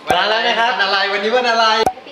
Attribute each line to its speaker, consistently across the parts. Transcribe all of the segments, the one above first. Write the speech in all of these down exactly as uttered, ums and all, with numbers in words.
Speaker 1: มาแล้วนะครับวันอะไรวันนี้วันอะไร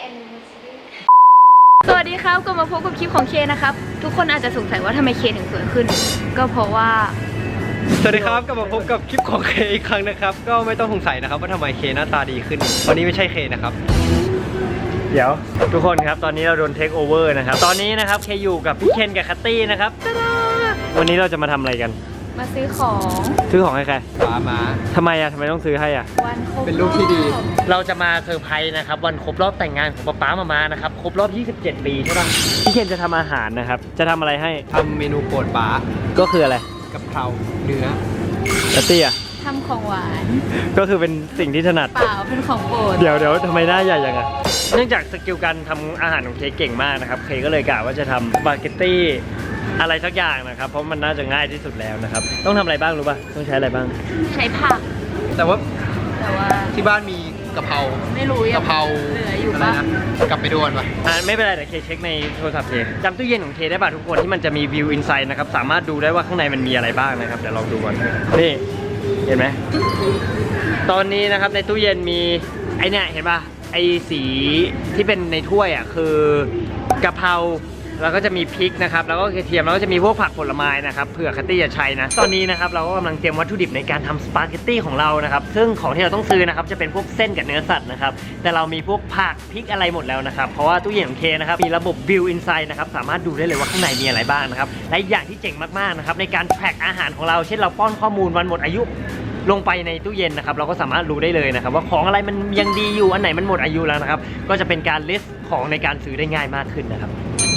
Speaker 2: สวัสดีครับก็มาพบกับคลิปของเคนะครับทุกคนอาจจะสงสัยว่าทำไมเคถึงสวยขึ้นก็เพราะว่า
Speaker 1: สวัสดีครับก็มาพบกับคลิปของเคอีกครั้งนะครับก็ไม่ต้องสงสัยนะครับว่าทำไมเคหน้าตาดีขึ้นวันนี้ไม่ใช่เคนะครับเดี๋ยวทุกคนครับตอนนี้เราโดนเทคโอเวอร์นะครับตอนนี้นะครับเคอยู่กับพี่เคนกับคัตตี้นะครับวันนี้เราจะมาทำอะไรกัน
Speaker 2: มาซื้อของ
Speaker 1: ซื้อของให้ใครป้ามาทำไมอะทำไมต้องซื้อให้อะ
Speaker 2: วันครบ
Speaker 1: เป็นลูกที่ดีเราจะมาเซอร์ไพรส์นะครับวันครบรอบแต่งงานของป๊าป๊ามามานะครับครบรอบยี่สิบเจ็ดปีใช่ป่ะพี่เคนจะทำอาหารนะครับจะทำอะไรให้ทำเมนูโปรดป๊าก็คืออะไรกะเพราเนื้อคัตตี้อะ
Speaker 2: ทำของหวาน
Speaker 1: ก็คือเป็นสิ่งที่ถนัด
Speaker 2: เปล่าเป็นของโปรด
Speaker 1: เดี๋ยวเดี๋ยวทำไมหน้าใหญ่ยังไงเนื่องจากสกิลการทำอาหารของเคเก่งมากนะครับเคก็เลยกะว่าจะทำสปาเกตตี้อะไรสักอย่างนะครับเพราะมันน่าจะง่ายที่สุดแล้วนะครับต้องทำอะไรบ้างรู้ป่ะต้องใช้อะไรบ้าง
Speaker 2: ใช้ผัก
Speaker 1: แต่ว่า
Speaker 2: แต่ว่า
Speaker 1: ที่บ้านมีกะเพรา
Speaker 2: ไม่รู้
Speaker 1: กะเพรา
Speaker 2: เหลืออยู่
Speaker 1: อะไรนะกลับไปดูกันป่ะอ่าไม่เป็นไรเดี๋ยวเคเช็คในโทรศัพท์เคจำตู้เย็นของเคได้ป่ะทุกคนที่มันจะมีวิวอินไซด์นะครับสามารถดูได้ว่าข้างในมันมีอะไรบ้างนะครับเดี๋ยวลองดูก่อนนี่เห็นไหมตอนนี้นะครับในตู้เย็นมีไอเนี่ยเห็นป่ะไอสีที่เป็นในถ้วยอ่ะคือกะเพราแล้วก็จะมีพริกนะครับแล้วก็กระเทียมแล้วก็จะมีพวกผักผลไม้นะครับเผื่อคัตตี้จะใช้นะตอนนี้นะครับเราก็กำลังเตรียมวัตถุดิบในการทำสปาเกตตี้ของเรานะครับซึ่งของที่เราต้องซื้อนะครับจะเป็นพวกเส้นกับเนื้อสัตว์นะครับแต่เรามีพวกผักพริกอะไรหมดแล้วนะครับเพราะว่าตู้เย็นของเคนะครับมีระบบ View Insight นะครับสามารถดูได้เลยว่าข้างในมีอะไรบ้างนะครับและอย่างที่เจ๋งมากๆนะครับในการแพ็คอาหารของเราเช่นเราป้อนข้อมูลวันหมดอายุลงไปในตู้เย็นนะครับเราก็สามารถรู้ได้เลยนะครับว่าของอะไรมันยังดีอยู่อันไหนมันหมดอายุแล้วนะครับก็จะเป็นการลิสต์ของในการซื้อได้ง่ายมากขึ้นนะครับ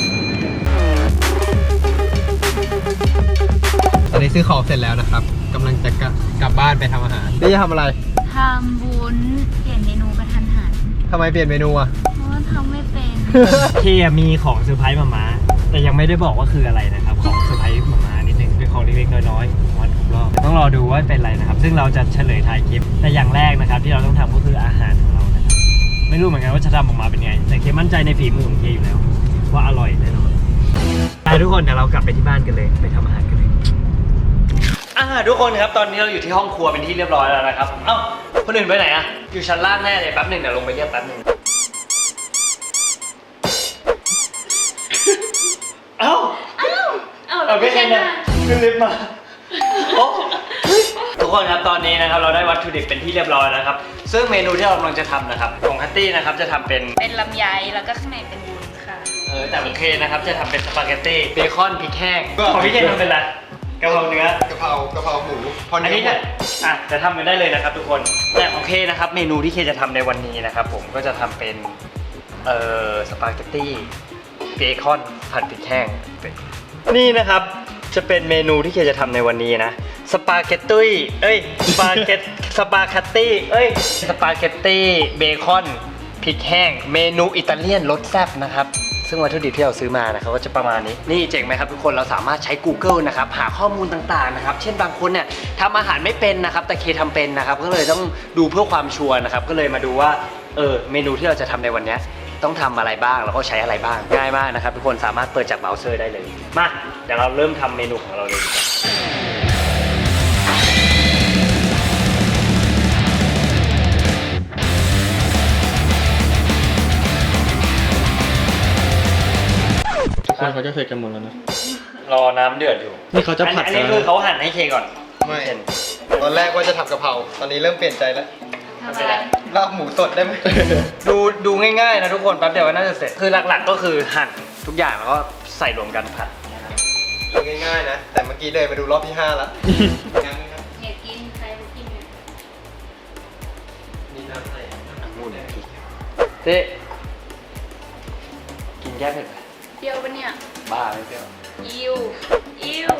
Speaker 1: ตอนนี้ซื้อของเสร็จแล้วนะครับกำลังจะกลับบ้านไปทำอาหารนี่จะทำอะไร
Speaker 2: ทำวุ้นเปลี่ยนเมนูกระทันหัน
Speaker 1: ทำไมเปลี่ยนเมนูอ่ะ
Speaker 2: เพราะว่าทำไม่เป็น
Speaker 1: เคมีของเซอร์ไพรส์มาม่าแต่ยังไม่ได้บอกว่าคืออะไรนะครับของเซอร์ไพรส์มาม่านิดนึงเป็นของเล็กๆน้อยๆวันครบรอบต้องรอดูว่าเป็นอะไรนะครับซึ่งเราจะเฉลยท้ายคลิปแต่อย่างแรกนะครับที่เราต้องทำก็คืออาหารของเรานะครับไม่รู้เหมือนกันว่าจะทำออกมาเป็นไงแต่เคมั่นใจในฝีมือของเคอยู่แล้วว่าอร่อยแน่นอนไปทุกคนเดี๋ยวเรากลับไปที่บ้านกันเลยไปทำอาหารกันเลยอ่าทุกคนครับตอนนี้เราอยู่ที่ห้องครัวเป็นที่เรียบร้อยแล้วนะครับเอ้าคนอื่นไปไหนอะอยู่ชั้นล่างแน่เลยแป๊บหนึ่งเดี๋ยวลงไปเรียกแป๊บหนึ่งเอ้าเอ้าเอ้าไม่ใช่นะขึ้นลิฟต์มาทุกคนครับตอนนี้นะครับเราได้วัตถุดิบเป็นที่เรียบร้อยแล้วครับซึ่งเมนูที่เรากำลังจะทำนะครับของฮัตตี้นะครับจะทำเป็น
Speaker 2: เป็นลำไยแล้วก็ข้างในเป็นวุ้นค่ะ
Speaker 1: เออแต่โอเคนะครับจะทำเป็นสปาเกตตี้เบคอนพริกแห้งของพี่เคนทำเป็นอะไรกะเพราเนื้อกะเพรากะเพราหมูอันนี้จะอ่ะจะทำกันได้เลยนะครับทุกคนแต่โอเคนะครับเมนูที่เคจะทำในวันนี้นะครับผมก็จะทำเป็นเอ่อสปาเกตตี้เบคอนผัดพริกแห้งนี่นะครับจะเป็นเมนูที่เคจะทำในวันนี้นะสปาเกตตี้เอ้ยสปาเกตสปาเกตตี้เอ้ยสปาเกตตี้เบคอนพริกแห้งเมนูอิตาเลียนรสแซ่บนะครับซึ่งวัตถุดิบที่เราซื้อมานะครับก็จะประมาณนี้นี่เจ๋งไหมครับทุกคนเราสามารถใช้ Google นะครับหาข้อมูลต่างๆนะครับเช่นบางคนเนี่ยทำอาหารไม่เป็นนะครับแต่เคทำเป็นนะครับก็เลยต้องดูเพื่อความชัวร์นะครับก็เลยมาดูว่าเออเมนูที่เราจะทำในวันนี้ต้องทำอะไรบ้างแล้วก็ใช้อะไรบ้างง่ายมากนะครับทุกคนสามารถเปิดจากเบราว์เซอร์ได้เลยมาเดี๋ยวเราเริ่มทำเมนูของเราเลย
Speaker 3: คนเขาจะเสร็จกันหมดแล้วนะ
Speaker 1: รอน้ำเดือดอยู่
Speaker 3: นี่เขาจะผัด
Speaker 1: อันนี้คือเขาหั่นให้เคก่อน
Speaker 3: ไม่ตอนแรกว่าจะทำกะเพราตอนนี้เริ่มเปลี่ยนใจแล้ว
Speaker 2: ทำอะไร
Speaker 3: ลาบหมูสดได้ไหม
Speaker 1: ดูดูง่ายๆนะทุกคนแป๊บเดียวก็น่าจะเสร็จคือหลักๆก็คือหั่นทุกอย่างแล้วก็ใส่รวมกันผัด
Speaker 3: ดูง่ายๆนะแต่เมื่อกี้เดินมาดูรอบที่ห้าแล้ว
Speaker 2: ยังครับอยากกินใครกินเนี่ย
Speaker 3: นี่น้ำใส่
Speaker 1: มูนพริกเจ๊กินแก้เผ็ดไหม
Speaker 2: เปรี้ยวปะเนี่ย
Speaker 1: บ้าไม่เปรี้ยว
Speaker 2: อิวอิว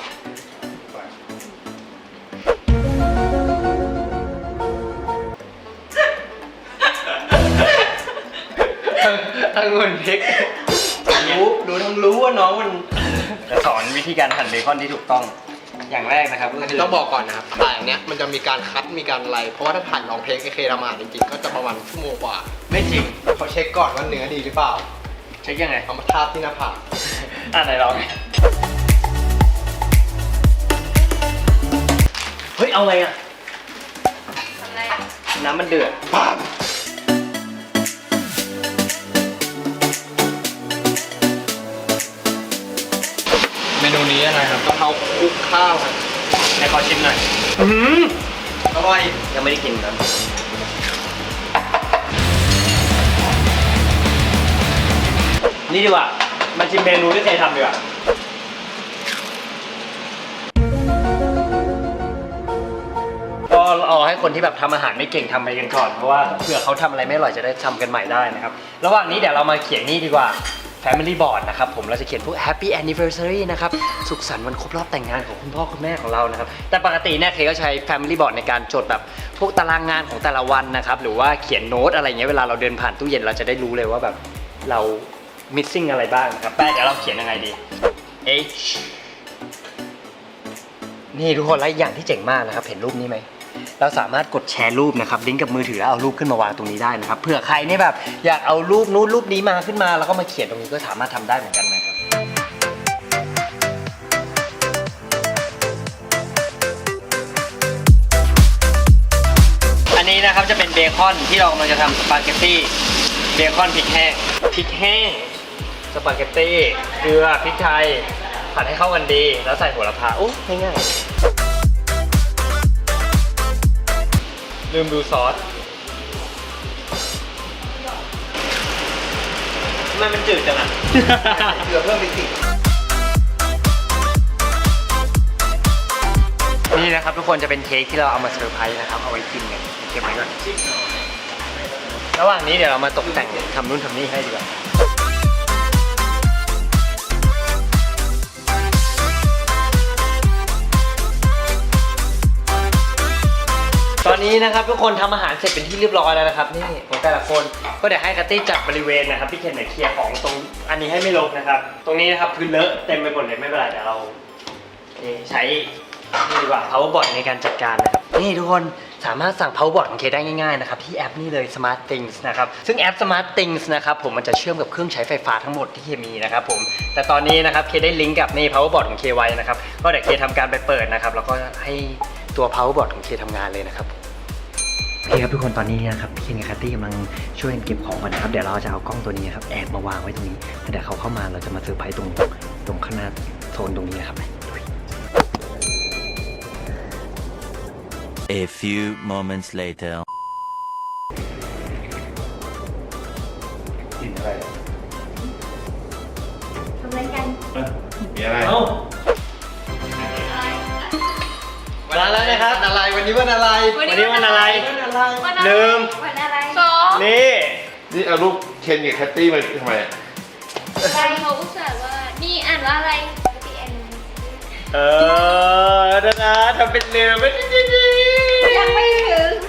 Speaker 1: องุ่นพริกรู้รู้ทั้งรู้ว่าน้องมันจะสอนวิธีการหั่นเบคอนที่ถูกต้องอย่างแรกนะครับก็คือ
Speaker 3: ต้องบอกก่อนนะครับถ่ายอย่างเนี้ยมันจะมีการคัดมีการอะไรเพราะว่าถ้าถ่ายลองเทคเคทำอาหารจริงๆก็จะประมาณชั่วโมงกว่า
Speaker 1: ไม่จริง
Speaker 3: เขาเช็คก่อนว่าเนื้อดีหรือเปล่า
Speaker 1: เช็คยังไง
Speaker 3: เอามาทาบที่หน้าผาก
Speaker 1: อ่ะไหนลองเฮ้ยเอาไงอ่ะ
Speaker 2: อะไรอ่ะ
Speaker 1: น้ำมันเดือด
Speaker 3: ปั๊บนี้อะไรครับกะเพราคลุกข้าวครับ
Speaker 1: ในขอชิมหน่อยอืม
Speaker 3: อร่อย
Speaker 1: ยังไม่ได้กินนะนี่ดีกว่ามาชิมเมนูที่เคยทำดีกว่าก็เอาให้คนที่แบบทำอาหารไม่เก่งทำไปกันก่อนเพราะว่าเผื่อเขาทำอะไรไม่อร่อยจะได้ทำกันใหม่ได้นะครับระหว่างนี้เดี๋ยวเรามาเขียนนี่ดีกว่า Family Board นะครับผมเราจะเขียนพวก Happy Anniversary นะครับสุขสันต์วันครบรอบแต่งงานของคุณพ่อคุณแม่ของเรานะครับแต่ปกติเนี่ยเคก็ใช้ Family Board ในการจดแบบพวกตารางงานของแต่ละวันนะครับหรือว่าเขียนโน้ตอะไรเงี้ยเวลาเราเดินผ่านตู้เย็นเราจะได้รู้เลยว่าแบบเรา missing อะไรบ้างนะครับแป๊ะเดี๋ยวเราเขียนยังไงดี H นี่ทุกคนแล้วอย่างที่เจ๋งมากนะครับเห็นรูปนี้ไหมเราสามารถกดแชร์รูปนะครับลิงก์กับมือถือแล้วเอารูปขึ้นมาวางตรงนี้ได้นะครับเผื่อใครเนี่ยแบบอยากเอารูปนู้นรูปนี้มาขึ้นมาแล้วก็มาเขียนตรงนี้ก็สามารถทำได้เหมือนกันนะครับอันนี้นะครับจะเป็นเบคอนที่เรากำลังจะทำสปาเกตตี้เบคอนพริกแห้งพริกแห้งสปาเกตตี้เกลือพริกไทยผัดให้เข้ากันดีแล้วใส่โหระพาโอ้ง่ายๆลืมดูซอสทำไมมันจืดจังอ่ะ
Speaker 3: เกลือเพิ่มไปสิ
Speaker 1: นี่นะครับทุกคนจะเป็นเค้กที่เราเอามาเซอร์ไพรส์นะครับเอาไว้กินกันเก็บไว้ก่อนระหว่างนี้เดี๋ยวเรามาตกแต่งทำนู่นทำนี่ให้ดีกว่าตอนนี้นะครับทุกคนทำอาหารเสร็จเป็นที่เรียบร้อยแล้วนะครับนี่ของแต่ละคนก็เดี๋ยวให้คัตตี้จัดบริเวณนะครับพี่เคนเนี่ยเคลียร์ของตรงอันนี้ให้ไม่ลงนะครับตรงนี้นะครับพื้นเลอะเต็มไปหมดเลยไม่เป็นไรเดี๋ยวเราใช้นี่ดีกว่า power board ในการจัดการนะครับนี่ทุกคนสามารถสั่ง power board ของเคได้ง่ายๆนะครับที่แอปนี่เลย smart things นะครับซึ่งแอป smart things นะครับผมมันจะเชื่อมกับเครื่องใช้ไฟฟ้าทั้งหมดที่เคมีนะครับผมแต่ตอนนี้นะครับเคได้ลิงก์กับนี่ power board ของเคไว้นะครับก็เดี๋ยวเคทำการไปเปิดนะครับแล้วก็ให้ตัว power board ของเคทำงานเลยนะครับโอเคครับทุกคนตอนนี้นะครับพี่เคนกับคัตตี้กำลังช่วยกันเก็บของกันนะครับเดี๋ยวเราจะเอากล้องตัวนี้ครับแอบมาวางไว้ตรงนี้แล้วเดี๋ยวเขาเข้ามาเราจะมาเซอร์ไพรส์ตรงตรงข้างหน้าโซนตรงนี้นะครับ
Speaker 4: A few moments later.
Speaker 1: กินอะไร
Speaker 2: ทำอะไรกัน
Speaker 5: มีอะไร
Speaker 1: เอ้าเวลาแล้วนะครับ
Speaker 3: วันอะไรวันนี้วันอะไร
Speaker 1: วันนี้วันอะไร
Speaker 3: วันอะไร
Speaker 2: วันอะไร
Speaker 1: ลืม
Speaker 2: วันอะไรสอง
Speaker 1: นี่
Speaker 5: นี่เอารูปเคนกับแคตตี้มาทำไม
Speaker 2: ใครเขาอุตส่าห์ว่านี่อ่านว่าอะไรพีเอ็น
Speaker 1: เออเดี๋ยวนะทำเป็นลืมไม่จริง
Speaker 2: ยังไม่ถึง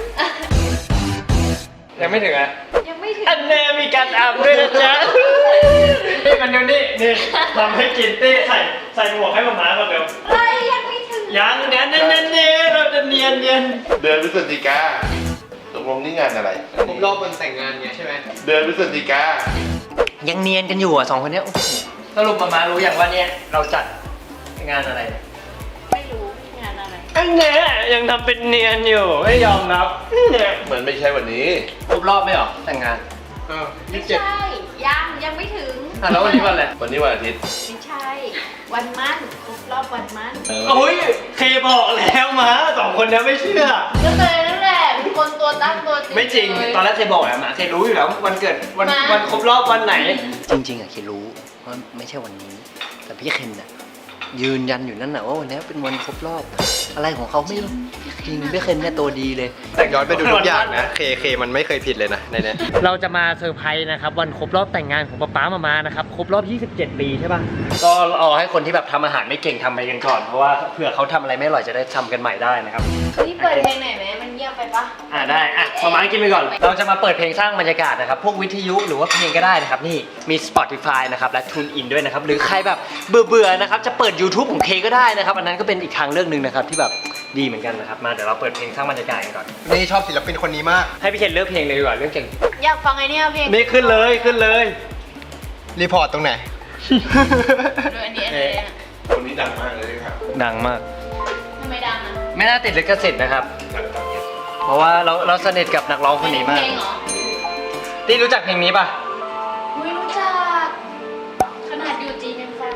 Speaker 1: ยังไม่ถึงอ่ะ
Speaker 2: ยังไม่ถึง
Speaker 1: อันแน่มีการอาบด้วยนะจ๊ะนี่มันเดี๋ยวนี้นี่ทำให้กินเต้ใส่ใส่หมวกให้มาม้าก่อนเร็ว
Speaker 2: อะไรยังไม่ถึง
Speaker 1: ยังเนี้ยเนี้ยเนี้ยเนี้ยเราจะเนียนเนียน
Speaker 5: เดือนพฤศจิกาตกลงนี่งานอะไร
Speaker 3: ครบรอบวันแต่งงานเนี่ยใช่ไหม
Speaker 5: เดือนพฤศจิกา
Speaker 1: ยังเนียนกันอยู่อ่ะสองคนเนี้ยโอ้โหสรุปมาม้ารู้อย่างว่าเนี่ยเราจัดงานอะไร
Speaker 2: ไม่รู้งานอะไร
Speaker 1: อันเนี้ยยังทำเป็นเนียนอยู่ไม่ยอมรับเนี่ย
Speaker 5: เหมือนไม่ใช่วันนี้
Speaker 1: ครบรอบไม่หรอแต่งงาน
Speaker 3: เออ
Speaker 2: ไม่
Speaker 3: ยี่สิบเจ็ด
Speaker 2: ใช่ยังยังไม่ถึง
Speaker 1: อ่ะแล้ววันนี้วันอะไร
Speaker 5: วันนี้วันอาทิตย์
Speaker 2: ไม่ใช่ วันมั่นครบรอบวันมั่น
Speaker 1: โอ้ยเคบอกแล้วมาสองคนเนี้ยไม่เชื่อ
Speaker 2: ก็เลยนั่นแหละเป็นคนตัวตั้งตัวจริง
Speaker 1: ไม่จริง
Speaker 2: เลย
Speaker 1: ตอนแรกเคบอกอะหมาเครู้อยู่แล้ววันเกิดวัน
Speaker 2: มา
Speaker 1: วันครบรอบวันไหน จริงๆอะเครู้ว่าไม่ใช่วันนี้ แต่พี่เคนน่ะยืนยันอยู่นั่นน่ะว่าวันนี้เป็นวันครบรอบอะไรของเขาไม่รู้จริงพี่เคนเนี่ยตัวดีเลย
Speaker 3: แต่ย้อนไปดูทุกอย่างนะเคเคมันไม่เคยผิดเลยนะในเนี้ย
Speaker 1: เราจะมาเซอร์ไพรส์นะครับวันครบรอบแต่งงานของป๊าป๊ามามานะครับครบรอบยี่สิบเจ็ดปีใช่ป่ะก็เอาให้คนที่แบบทำอาหารไม่เก่งทำไปกันก่อนเพราะว่าเผื่อเขาทำอะไรไม่อร่อยจะได้ทำกันใหม่ได้นะครับ
Speaker 2: นี่เปิดเพลงไหนอยไหมมันเงียบไปปะ
Speaker 1: อ่าได้อ่ะมามากินไปก่อน เราจะมาเปิดเพลงสร้างบรรยากาศนะครับพวกวิทยุหรือว่าเพลงก็ได้นะครับนี่มี Spotify นะครับและ TuneIn ด้วยนะครับหรือใครแบบเบื่อเบื่อๆนะครับจะเปิด YouTube ของเคก็ได้นะครับอันนั้นก็เป็นอีกทางเลือกหนึ่งนะครับที่แบบดีเหมือนกันนะครับมาเดี๋ยวเราเปิดเพลงสร้างบรรยากาศกันก่อน
Speaker 3: นี่ชอบศิลปินคนนี้มาก
Speaker 1: ให้พี่เคนเลือกเพลงเลยดีกว่าเลือกเก่ง
Speaker 2: อยากฟังไอ้เนี่ยเพลง
Speaker 1: นี่ขึ้นเลยขึ้นเลย
Speaker 3: รีพอร์ตตรงไหน
Speaker 2: ดูอันนี้อันนี้อะ
Speaker 5: คนนี้ดังมากเลยครับ
Speaker 1: ดังมาก
Speaker 2: ทำไมดังอ่ะ
Speaker 1: ไม่น่าติดลิขสิทธิ์นะครับ
Speaker 5: ดังดังเนี่ย
Speaker 1: เพราะว่าเราเราสนิทกับนักร้องคนนี้มาก
Speaker 2: เพลงเหรอ
Speaker 1: ที่รู้จักเพลงนี้ป่ะ
Speaker 2: ไม่รู้จักขนาดอยู่จีนยังฟังเลยอะ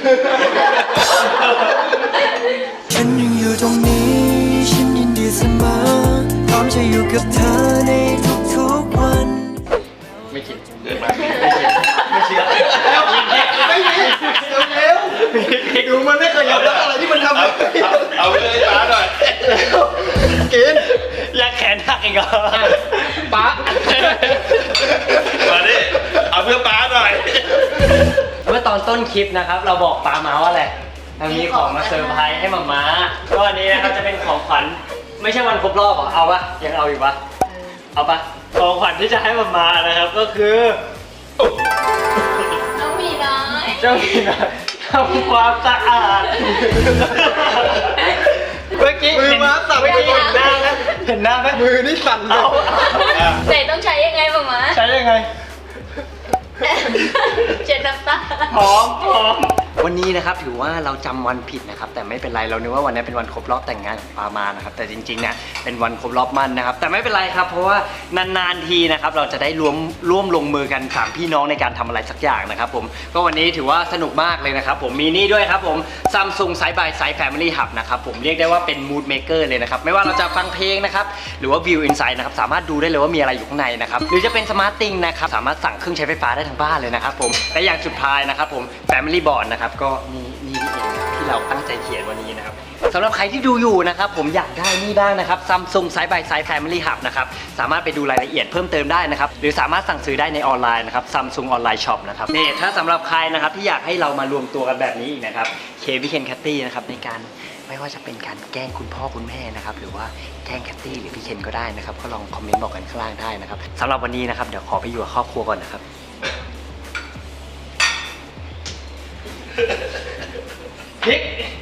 Speaker 6: ฉันยังอยู่ตรงนี้ ฉันยินดีเสมอ พร้อมจะอยู่กับเธอในทุกๆวัน
Speaker 3: ไม่คิด
Speaker 5: เกิดมา
Speaker 1: ไม่เชื่อ
Speaker 3: ไม่มีเร็วๆดูมันไม่เคยยอมรับอะไรที่มันทำ
Speaker 5: เอาเอาเอาไปเลยป้าหน่อย
Speaker 3: กิน
Speaker 1: อยากแขนหักอีกเหรอ
Speaker 3: ป๊า
Speaker 5: มาดิเอาเพื่อป้าหน่อย
Speaker 1: เมื่อตอนต้นคลิปนะครับ เราบอกปามาว่าอะไรเรามีของมาเซอร์ไพรส์ให้มาม้าก็อันนี้นะครับจะเป็นของขวัญไม่ใช่วันครบรอบเหรอเอาปะยังเอาอยู่ปะเอาปะของขวัญที่จะให้มาม้านะครับก็คือ
Speaker 2: น้องหมีน้อย
Speaker 1: เจ้าหมีน้อยทำความสะอาดเมื่อกี้
Speaker 3: มือม้าสั่น
Speaker 1: เมื่อกี้เห็นหน้าไหมเห็นหน้าไหม
Speaker 3: มือนี่สั่นเล
Speaker 1: เอา
Speaker 3: ย
Speaker 2: แต่ต้องใช้ยังไงบ้างมะ
Speaker 1: ใช้ยังไง
Speaker 2: เจ็ดน้ำตา
Speaker 1: พร้อมพร้อมวันนี้นะครับถือว่าเราจำวันผิดนะครับแต่ไม่เป็นไรเรานึกว่าวันนี้เป็นวันครบรอบแต่งงานของปามานะครับแต่จริงๆเนี่ยเป็นวันครบรอบมั่นนะครับแต่ไม่เป็นไรครับเพราะว่านานๆทีนะครับเราจะได้ร่วมร่วมลงมือกันสามพี่น้องในการทำอะไรสักอย่างนะครับผมก็วันนี้ถือว่าสนุกมากเลยนะครับผมมีนี่ด้วยครับผม Samsung Side by Side Family Hub นะครับผมเรียกได้ว่าเป็น Mood Maker เลยนะครับไม่ว่าเราจะฟังเพลงนะครับหรือว่า View Inside นะครับสามารถดูได้เลยว่ามีอะไรอยู่ข้างในนะครับหรือจะเป็น Smart Thing นะครับสามารถสั่งเครื่องใช้ไฟฟ้าได้ทั้งบ้านเลยนะครับผมและอย่างสุดท้ายนะครับผม Family Board นะครับก็นี่นี่นี่เองที่เราตั้งใจเขียนวันนี้นะครับสำหรับใครที่ดูอยู่นะครับผมอยากได้นี่บ้างนะครับ Samsung Side by Side Family Hub นะครับสามารถไปดูรายละเอียดเพิ่มเติมได้นะครับหรือสามารถสั่งซื้อได้ในออนไลน์นะครับ Samsung Online Shop นะครับนี่ถ้าสำหรับใครนะครับที่อยากให้เรามารวมตัวกันแบบนี้อีกนะครับเควิเคนแคตตี้นะครับในการไม่ว่าจะเป็นการแกล้งคุณพ่อคุณแม่นะครับหรือว่าแกล้งแคตตี้หรือพี่เคนก็ได้นะครับก็ลองคอมเมนต์บอกกันข้างล่างได้นะครับสำหรับวันนี้นะครับเดี๋ยวขอไปอยู่กับครอบครัวก่อนนะครับพริก